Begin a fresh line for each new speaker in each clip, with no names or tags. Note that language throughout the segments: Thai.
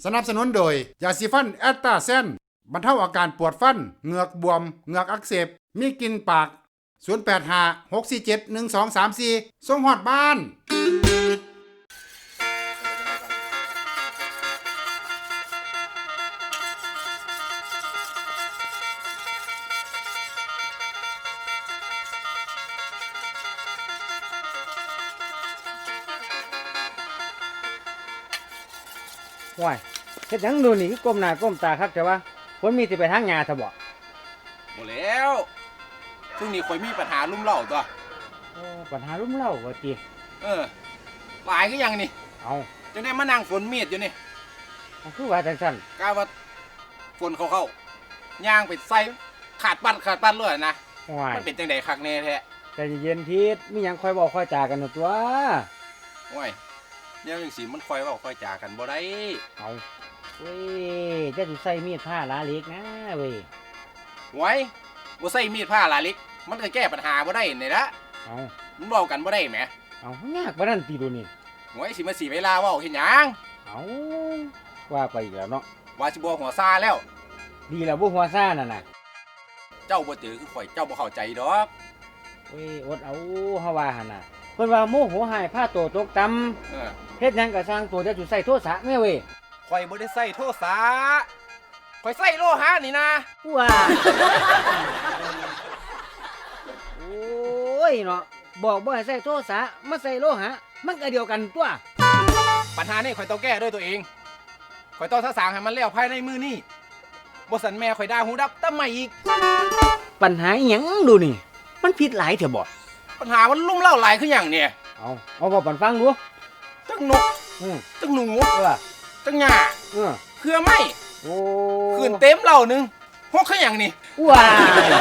สนับสนุนโดยยาสีฟันแอตตาเซนบรรเทาอาการปวดฟันเหงือกบวมเหงือกอักเสบมีกลิ่นปาก0856471234ส่งฮอดบ้าน
ว้ายเฮ็ดหยังดูนี่คือก้มหน้าก้มตาคักแต่ว่าฝนมีสิไปทางหญ้าซะบ่
บ่แล้วช่วงนี้ข่อยมีปัญหาลุ่มเล่าตัว
ปัญหารุมเร้าว่าติ
หลายคือหยังนี่
เอา
จังได้มานั่งฝนเมียดอยู่นี่
มันคือว่าจังซั่น
กะว่าฝนเข้าย่างไปใส่ขาดปัดเลยนะ
ว้าย
มันเป็นจังได๋คักแน่แท้
ใจเย็นๆทิศมีหยังค่อยเว้าค่อยจากันเนาะตัว
โอ้ยแนวจังซี่มันค่อยเว้าค่อยจากันบ่ได้
เอาเว้ยจะสิใส่มีดผ้าลาเล็กนะเว้ย
โอ้ยบ่ใส่มีดผ้าลาเล็กมันก็แก้ปัญหาบ่ได้นี่ละ
เอา
มันเว้ากันบ่ได้แหม
เอายากบ่นั่นติดูนี่
โอ้ยสิมาเวลาเว้าเฮ็ดหยัง
เอาว่าไปอีกแล้วเนาะ
ว่าสิบ่หัวซาแล้ว
ดีแล้วบ่หัวซ่านั่นน่ะ
เจ้าบ่เจอคือข่อยเจ้าบ่เข้าใจดอก
เว้ยอดเอาเฮาว่าหั่นน่ะเพิ่นว่าโมโหหายผ้าโตตกต่ำเฮ็ดหยังก็สร้างตัวจะสิใส่โทษะแม่เว้ย
ข่อยบ่ได้ใส่โทรศัพท์ข่อยใส่โลหะนี่นะ
ว้าโอ้ยเนาะบอกบ่ให้ใส่โทษะมาใส่โลหะมันก็เดียวกันตัว
ปัญหานี้ข่อยต้องแก้ด้วยตัวเองข่อยต้องสร้างให้มันแล้วภายในมื้อนี้บ่สันแม่ข่อยด่าหูดับตะไม่อีก
ปัญหาอิหยังดูนี่มันผิดหลายเถอะบ่
ปัญหามันลุ่มเล่าหลายคือหยังเนี่ย
เอาบ่ปันฟังดู
จังนกจังหนู
เออ
จังหญ้า
เออ
เครือไม้
โอ้
คืนเต็มเหล่านึงฮกคือหยังนี่
ว้าย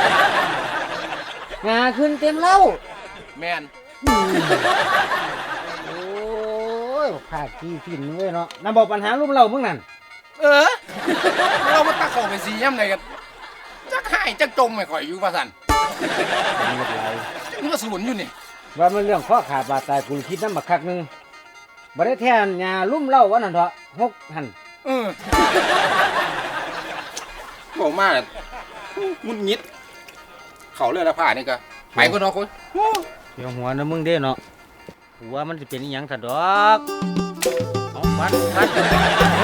งาขึ้นเต็มเล่า
แม่น
โอ้ยภาคที่ฟินเว้ยเนาะนำบอกปัญหารูปเรามึงนั่น
เรามาตักเข้าไปสิยามใดกันจักหายจักจมไม่ข่อยอยู่ว่าซั่นมันก็สูญอยู่นี่
ว่ามันเรื่องข้อขาดบาดตายกูคิดน้ำบักคักหนึงบ่ได้แท้หญ้าลุ่มเล่าวันนั้นเถอะหกหั่น
บอกมาหงุดหงิดเขาเลือดละผ้านี่ก็ไปก่อนเนาะคุณ
เดี๋ยวหัวนะมึงเด้เนาะหัวมันสิเป็นอีหยังซะดอกเอาฟัน